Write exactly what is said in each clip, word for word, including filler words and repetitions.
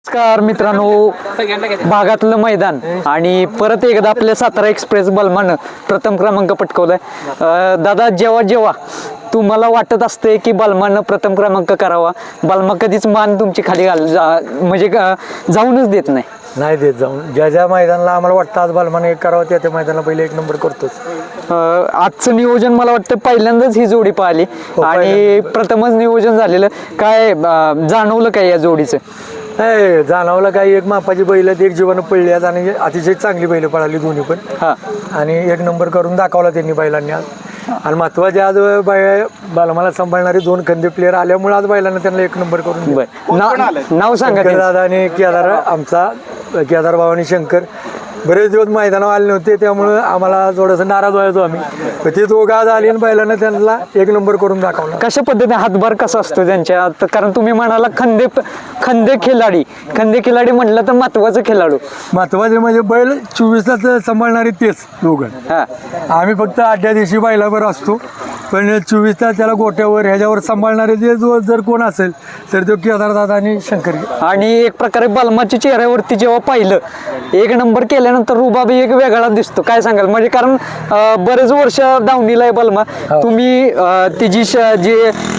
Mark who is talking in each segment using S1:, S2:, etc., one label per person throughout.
S1: नमस्कार मित्रांनो, भागातलं मैदान आणि परत एकदा आपल्या सातारा एक्सप्रेस बलमानं प्रथम क्रमांक पटकवलाय. दादा, जेव्हा जेव्हा तुम्हाला वाटत असते की बलमानं प्रथम क्रमांक करावा, बलमा कधीच मान तुमची खाली घाल म्हणजे जाऊनच देत नाही
S2: नाही देत जाऊन. ज्या ज्या मैदानाला आम्हाला वाटतं आज बलमाने एक करावं त्या त्या मैदानाला पहिले एक नंबर करतोच.
S1: आजचं नियोजन मला वाटतं पहिल्यांदाच ही जोडी पाहिली आणि प्रथमच नियोजन झालेलं. काय जाणवलं काय या जोडीचं?
S2: नाही जाणवलं काही, एक मापाची बैल एक जीवानं पडली आज आणि अतिशय चांगली बैल पळाली दोन्ही पण.
S1: हा,
S2: आणि एक नंबर करून दाखवला त्यांनी बैलांनी आज. आणि महत्वाचे आज बाय बलमाला सांभाळणारे दोन खंदे प्लेअर आल्यामुळे आज बैलांना त्यांना एक नंबर करून
S1: नाव नाव सांगा.
S2: दादा आणि केदार, आमचा केदार भाऊ आणि शंकर बरेच दिवस मैदानावर आले नव्हते त्यामुळं आम्हाला थोडंसं नाराज व्हायचो आम्ही. ते दोघं आज आले आणि बैलांना त्यांना एक नंबर करून दाखवला.
S1: कशा पद्धतीने हातभार कसा असतो त्यांच्या? कारण तुम्ही म्हणाला खंदे खंदे खिलाडी, खंदे खिलाडी म्हटलं तर महत्वाचं खेळाडू.
S2: महत्वाचे म्हणजे बैल चोवीस तास सांभाळणारे तेच दोघं.
S1: हा,
S2: आम्ही फक्त आठव्या दिवशी बैलावर असतो, पण चोवीस तास त्याला गोट्यावर ह्याच्यावर सांभाळणारे जे जो जर कोण असेल तर तो केदारदादा आणि शंकर.
S1: आणि एक प्रकारे बलमाच्या चेहऱ्यावरती जेव्हा पाहिलं एक नंबर केल्यानंतर रुबाबी एक वेगळा दिसतो. काय सांगाल? म्हणजे कारण बरेच वर्ष दावणीला आहे बलमा, तुम्ही तिची जी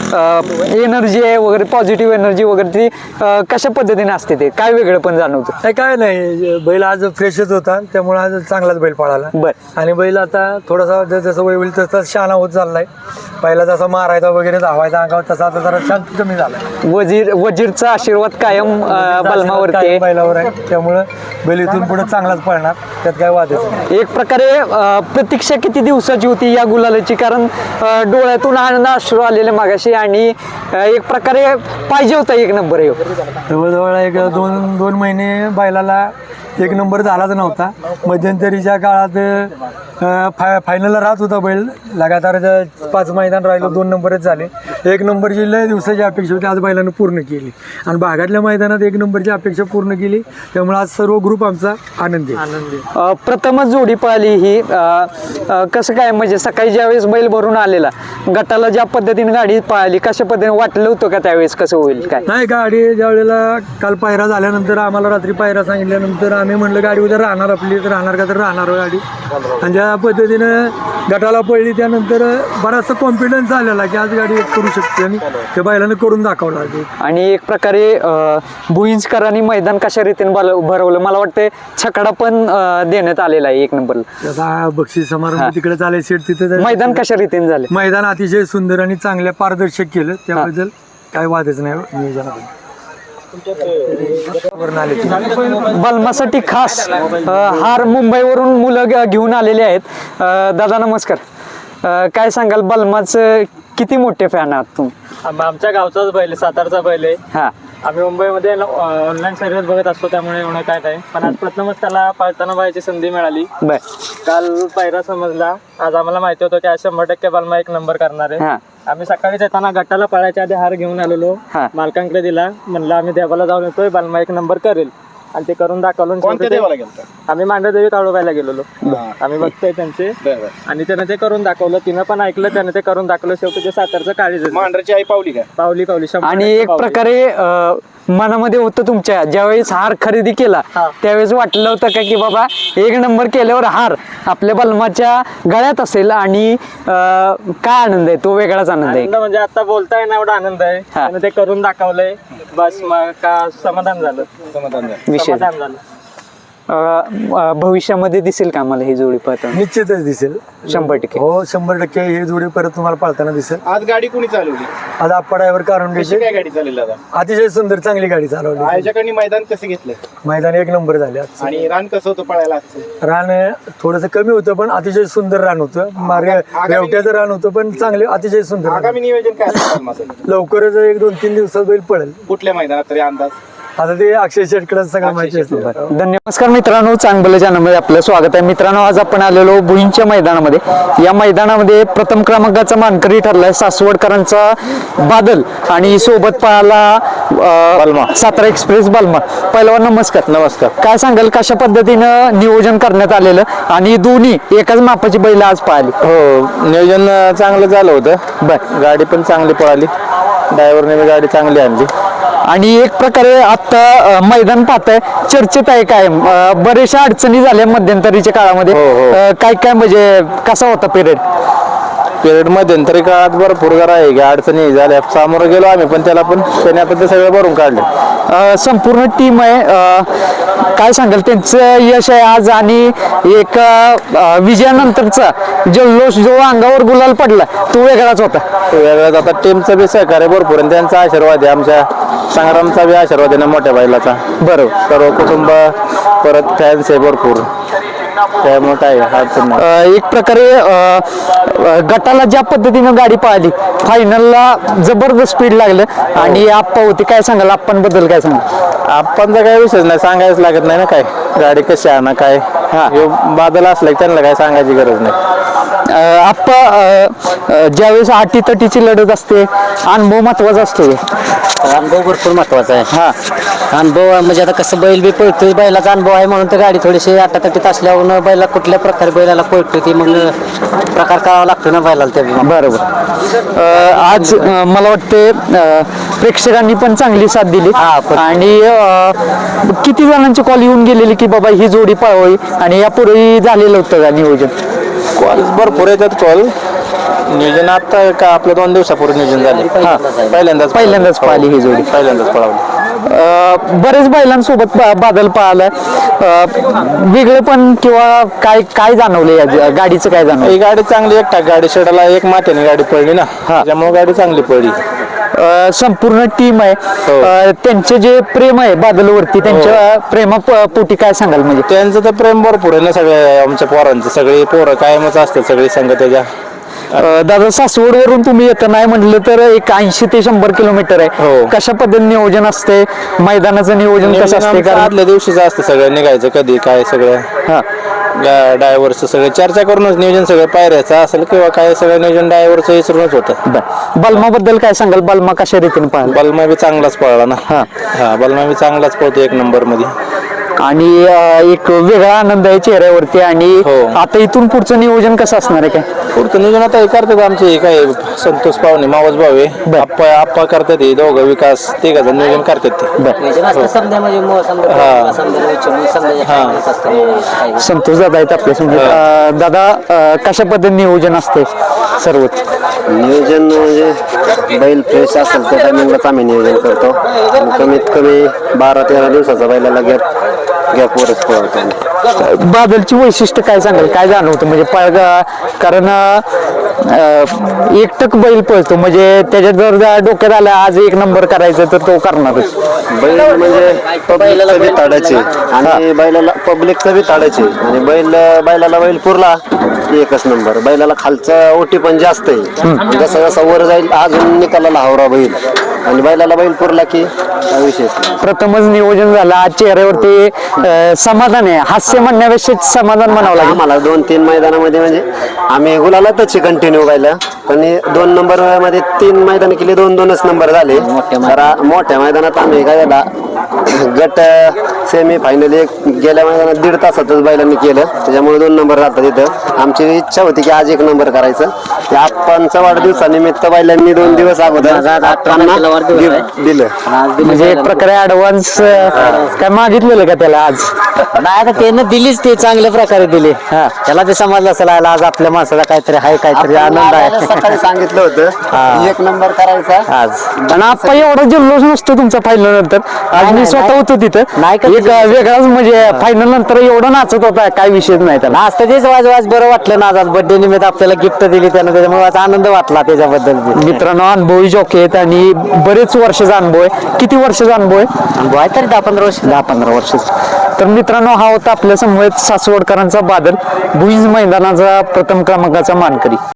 S1: एनर्जी आहे वगैरे, पॉझिटिव्ह एनर्जी वगैरे, ती कशा पद्धतीने असते, ते काय वेगळं पण जाणवतं?
S2: नाही काय नाही, बैल आज फ्रेशच होता त्यामुळे आज चांगलाच बैल पळाला.
S1: बर.
S2: आणि बैल आता थोडासा जसं वय होईल तसा शहाणा होत चाललाय. पहिला जसा मारायचा वगैरे धावायचा अंगावर तसा आता जरा शांत कमी झाला.
S1: वजीर वजीरचा आशीर्वाद कायम बलमावरती आहे,
S2: बैलावर आहे, त्यामुळं बैल इथून पुढे चांगलाच पळणार, त्यात काय वादच नाही.
S1: एक प्रकारे प्रतीक्षा किती दिवसाची होती या गुलालाची? कारण डोळ्यातून आनंद अश्रू आलेले मागाशी आणि एक प्रकारे पाहिजे होता एक नंबर. येऊ
S2: जवळजवळ एक दोन दोन महिने बैलाला एक नंबर झालाच नव्हता. मध्यंतरीच्या काळात फाय फायनलला राहत होता बैल, लगातार पाच मैदान राहिलो, दोन नंबरच झाले. एक नंबरची लय दिवसाची अपेक्षा होती, आज बैलानं पूर्ण केली. आणि भागातल्या मैदानात एक नंबरची अपेक्षा पूर्ण केली, त्यामुळे आज सर्व ग्रुप आमचा आनंदी आनंदी.
S1: प्रथमच जोडी पळाली ही. कसं काय म्हणजे सकाळी ज्यावेळेस बैल भरून आलेला, गटाला ज्या पद्धतीने गाडी पळाली, कशा पद्धतीने वाटलं होतं का त्यावेळेस कसं होईल काय?
S2: नाही, गाडी ज्या वेळेला काल पायरा झाल्यानंतर आम्हाला रात्री पायरा सांगितल्यानंतर आम्ही म्हणलं गाडी उद्या राहणार आपली, तर राहणार का तर राहणार गाडी. आणि ज्या पद्धतीनं गटाला पडली त्यानंतर बराचसा कॉन्फिडन्स आलेला की आज गाडी करू शकते आणि त्या बैलानं करून दाखवला.
S1: आणि एक प्रकारे भुईंजकरांनी मैदान कशा रीतीने भरवलं, मला वाटतं छकडा पण देण्यात आलेला आहे एक नंबरला.
S2: आता बक्षीस समारंभ तिकडे चालेल सेट, तिथे
S1: मैदान कशा रीतीने झाले?
S2: मैदान अतिशय सुंदर आणि चांगल्या पारदर्शक केलं, त्याबद्दल काय वादच नाही नियोजनाबद्दल.
S1: बलमासाठी खास हार मुंबईवरून मुलं घेऊन आलेले आहेत. दादा नमस्कार, काय सांगाल? बलमाचं किती मोठे फॅन आहात तुम्ही?
S3: आमच्या गावचाच बैल, सातारचा बैल आहे.
S1: हा,
S3: आम्ही मुंबईमध्ये ऑनलाईन सर्व्हिस बघत असतो त्यामुळे एवढं काय नाही, पण आज प्रथमच त्याला पाळताना पाहायची संधी मिळाली.
S1: बर.
S3: काल पायरा समजला, आज आम्हाला माहिती होतं की आज शंभर टक्के बलमा एक नंबर करणार आहे. आम्ही सकाळीच येताना गटाला पळायच्या आधी हार घेऊन आलेलो, मालकांकडे दिला, म्हणलं आम्ही देवाला जाऊन येतोय, बलमा एक नंबर करेल, आणि ते करून दाखवलं. आम्ही मांडरदेवी काळोबायला गेलेलो, आम्ही बघतोय त्यांचे, आणि त्यानं ते करून दाखवलं. तिनं पण ऐकलं, त्यानं ते करून दाखवलं. शेवटी ते सातारचं काळीज
S4: मांडरची आई पावली का?
S3: पावली पावली
S1: आणि एक प्रकारे मनामध्ये होतं तुमच्या, ज्यावेळेस हार खरेदी केला त्यावेळेस वाटलं होतं का की बाबा एक नंबर केल्यावर हार आपल्या बलमाच्या गळ्यात असेल, आणि काय आनंद आहे तो? वेगळाच आनंद आहे.
S3: म्हणजे आता बोलताय ना एवढा आनंद आहे, त्यानं ते करून दाखवलंय, बस मग का समाधान झालं,
S4: समाधान झालं.
S1: विषय
S3: झालं.
S1: भविष्यामध्ये दिसेल का मला ही जोडी पाहताना?
S2: निश्चितच दिसेल,
S1: शंभर टक्के.
S2: हो शंभर टक्के ही जोडी परत तुम्हाला पाळताना दिसेल.
S4: आज गाडी कोणी चालवली?
S2: आज आप्पा ड्रायव्हर कारण
S4: कशी काय गाडी चालवली दादा?
S2: अतिशय सुंदर चांगली गाडी चालवली.
S4: आयोजकांनी मैदान कसं घेतलं?
S2: मैदान एक नंबर झाले आज.
S4: आणि रान कसं होतं पळायला?
S2: रान थोडंसं कमी होतं पण अतिशय सुंदर रान होतं. मार्ग रेवट्याचं रान होतं पण चांगले अतिशय सुंदर.
S4: आगामी नियोजन काय असेल?
S2: लवकरच एक दोन तीन दिवसात बैल पडेल.
S4: कुठल्या मैदानात तरी अंदाज?
S2: आता ते अक्षय शेटकडे सगळं माहिती असतं.
S1: धन्यवाद. नमस्कार मित्रांनो, चांगलं चॅनलमध्ये आपलं स्वागत आहे. मित्रांनो, आज आपण आलेलो भुईंच्या मैदानामध्ये. या मैदानामध्ये प्रथम क्रमांकाचा मानकरी ठरलाय सासवडकरांचा बादल, आणि सोबत पाहायला बलमा, सातारा एक्सप्रेस बलमा. पहिलवान नमस्कार.
S5: नमस्कार.
S1: काय सांगाल कशा पद्धतीनं नियोजन करण्यात आलेलं, आणि दोन्ही एकाच मापाची बैल आज पाहिली?
S5: हो, नियोजन चांगलं झालं होतं. बर, गाडी पण चांगली पळाली. ड्रायव्हरने बी गाडी चांगली आणली.
S1: आणि एक प्रकारे आता अ, मैदान पाहताय चर्चेत आहे काय अ, बऱ्याचशा अडचणी झाल्या मध्यंतरीच्या काळामध्ये.
S5: हो, हो.
S1: अ, काय काय म्हणजे कसा होता पिरियड?
S5: पिरियड मध्यंतरी काळात भरपूर जरा आहे की अडचणी झाल्या, सामोरं गेलो आम्ही पण त्याला, पण त्याने आता ते सगळं भरून काढले.
S1: संपूर्ण टीम आहे. अ, काय सांगाल त्यांचं यश आहे आज आणि एक अ, विजयानंतरचा जल्लोष जो अंगावर गुलाल पडला तो वेगळाच होता.
S5: वेगळ्याच आता टीमचं बी सहकार्य भरपूर आणि त्यांचा आशीर्वाद आहे, आमच्या संग्रामचा बी आशीर्वाद आहे ना मोठ्या बैलाचा.
S1: बरोबर.
S5: सर्व कुटुंब परत फॅन्स आहे भरपूर, त्यामुळे काय अडचण नाही.
S1: अ, एक प्रकारे अ, अ, गटाला ज्या पद्धतीनं गाडी पळाली फायनलला जबरदस्त स्पीड लागलं आणि आप्पा होती. काय सांगाल आप्पांबद्दल? काय सांगाल?
S5: आपणचा काही विषयच नाही, सांगायच लागत नाही ना काय गाडी कशी आणा काय. हा ह्यो बादल असला की त्यांना काय सांगायची गरज नाही.
S1: अ, आप्पा अ, अ, ज्यावेळेस आटी तटीची लढत असते अनुभव महत्वाचा असतो.
S6: अनुभव भरपूर महत्वाचा आहे. हा अनुभव म्हणजे आता कसं बैल बी पळतोय, बैलाचा अनुभव आहे म्हणून तर गाडी थोडीशी आटातटीत असल्यावर बैला कुठल्या प्रकारे बैलाला पळतोय ती मग प्रकार करावा लागतो ना बैलाला. त्या
S1: बरोबर. अ, आज अ, मला वाटते अ, प्रेक्षकांनी पण चांगली साथ दिली आणि अ, किती जणांची कॉल येऊन गेलेली की बाबा ही जोडी पळवावी आणि यापूर्वी झालेलं होतं का नियोजन?
S5: कॉल भरपूर येतात कॉल. नियोजन आता का आपलं दोन दिवसापूर्वी नियोजन झाले. हा पहिल्यांदाच
S1: पहिल्यांदाच पळाली ही जोडी.
S5: पहिल्यांदाच पळावली.
S1: अ, बरेच बैलांसोबत बा- बादल पळालाय. अ, वेगळं पण किंवा काय काय जाणवलं या गाडीचं? काय जाणवलं?
S5: ही गाडी चांगली एकटा गाडी शेडाला एक मात्याने गाडी पडली ना, त्यामुळे गाडी चांगली पडली.
S1: अ, संपूर्ण टीम आहे. अ, त्यांचे जे प्रेम आहे बादलवरती त्यांच्या प्रेमा प- पोटी काय सांगाल? म्हणजे
S5: त्यांचं तर प्रेम भरपूर आहे ना सगळे आमच्या पोरांचं. सगळी पोरं कायमच असतात सगळी संघ त्याच्या.
S1: अ, दादा सासवड वरून तुम्ही येत नाही म्हटलं तर एक ऐंशी ते शंभर किलोमीटर आहे.
S5: हो.
S1: कशा पद्धतीने नियोजन असते? मैदानाचं नियोजन कसं असते?
S5: आमचं
S1: कारण
S5: आदल्या दिवशीच असतं सगळं निघायचं कधी काय सगळं.
S1: हा
S5: ड्रायव्हरचं सगळं चर्चा करूनच नियोजन सगळं पायऱ्याचं असेल किंवा काय सगळं नियोजन ड्रायव्हरचं विसरूनच होतं.
S1: बलमाबद्दल काय सांगाल? बलमा कशा रीतीने पाहिलं?
S5: बलमा बी चांगलाच पळला ना.
S1: हा.
S5: हा बलमा बी चांगलाच पळतो एक नंबर मध्ये.
S1: आणि अ, एक वेगळा आनंद आहे चेहऱ्यावरती. आणि
S5: हो.
S1: आता इथून पुढचं नियोजन कसं असणार आहे? काय
S5: पुढचं नियोजन आता हे करतात आमचे हे काय संतोष पाहुणे मावस भाऊ आहे, आप्पा आप्पा करतात हे दोघं विकास तिघाचं नियोजन करतात ते.
S6: समजा म्हणजे मो- समजा
S5: हा.
S6: समजा विचारून समजा
S5: हा.
S6: असतं.
S1: संतोष दादा आहेत आपल्या समोर. अ, दादा अ, कशा पद्धतीने नियोजन असते सर्वच?
S7: नियोजन म्हणजे बैल फ्रेश असेल त्या टायमिंगलाच आम्ही नियोजन करतो. आणि कमीत कमी बारा तेरा दिवसाचा बैलाला गॅप गॅपवरच पळवतो आम्ही.
S1: बादलची वैशिष्ट्य काय सांगाल? काय जाणवतं म्हणजे पळगा? कारण अ, एकटक बैल पळतो म्हणजे त्याच्यात जर डोक्यात आलं आज एक नंबर करायचं तर तो करणारच.
S7: बैल म्हणजे पब्लिकचं बी ताडायचे आणि बैलाला पब्लिकचं बी ताडायचे आणि बैल बैलाला बैल पुरला की एकच नंबर. बैलाला खालचं ओटी पण जास्त आहे. जसं जसं वर जाईल अजून निकालाला हावरा बैल आणि बैलाला बैल पुरला की काय विशेष नाही.
S1: प्रथमच नियोजन झालं आज चेहऱ्यावरती अ, समाधान आहे. हास्य म्हणण्यापेक्षा समाधान म्हणावं लागेल.
S7: आम्हाला दोन तीन मैदानामध्ये म्हणजे आम्ही गुलालातच कंटिन्यू गायला पण हे दोन नंबर मध्ये तीन मैदान केले, दोन दोनच नंबर झाले. तर मोठ्या मैदानात आम्ही गायला गट सेमी फायनल एक गेल्या मैदानात दीड तासातच बैलांनी केलं, त्याच्यामुळे दोन नंबर राहतात तिथं. आमची इच्छा होती की आज एक नंबर करायचं. त्या आप्पांचा वाढदिवसानिमित्त बैलांनी दोन दिवस अगोदर आप्पांना गिफ्ट दिलं.
S1: म्हणजे एक प्रकारे ऍडव्हान्स काय मागितलेलं का त्याला आज?
S6: नाही आता त्यानं दिलीच, ते चांगल्या प्रकारे दिली. हा त्याला ते समजलं असेल आज आपल्या माणसाला काहीतरी आहे, काहीतरी आनंद आहे.
S7: सकाळी सांगितलं होतं एक नंबर करायचा
S6: आज.
S1: आणि आप्पा एवढा जल्लोष नसतो तुमचा फायनल नंतर. आज मी स्वतः होतो तिथं.
S6: नाही का?
S1: एक वेगळाच म्हणजे फायनल नंतर एवढं नाचत होता काय विषयच नाही त्याला.
S6: आज तर तेच वाज वाज बरं वाटलं ना. आज बर्थडे निमित्त आपल्याला गिफ्ट दिली त्यानं, त्याच्यामुळे आज आनंद वाटला त्याच्याबद्दल.
S1: मित्रांनो अनुभवी जॉकी आहेत आणि बरेच वर्षाचा अनुभव आहे. किती वर्षाचा अनुभव आहे?
S6: अनुभव आहे तरी दहा पंधरा वर्ष.
S1: दहा पंधरा वर्षाचा. तर मित्रांनो हा होता आपल्या समवेत सासवडकरांचा बादल, भुईंज मैदानाचा प्रथम क्रमांकाचा मानकरी.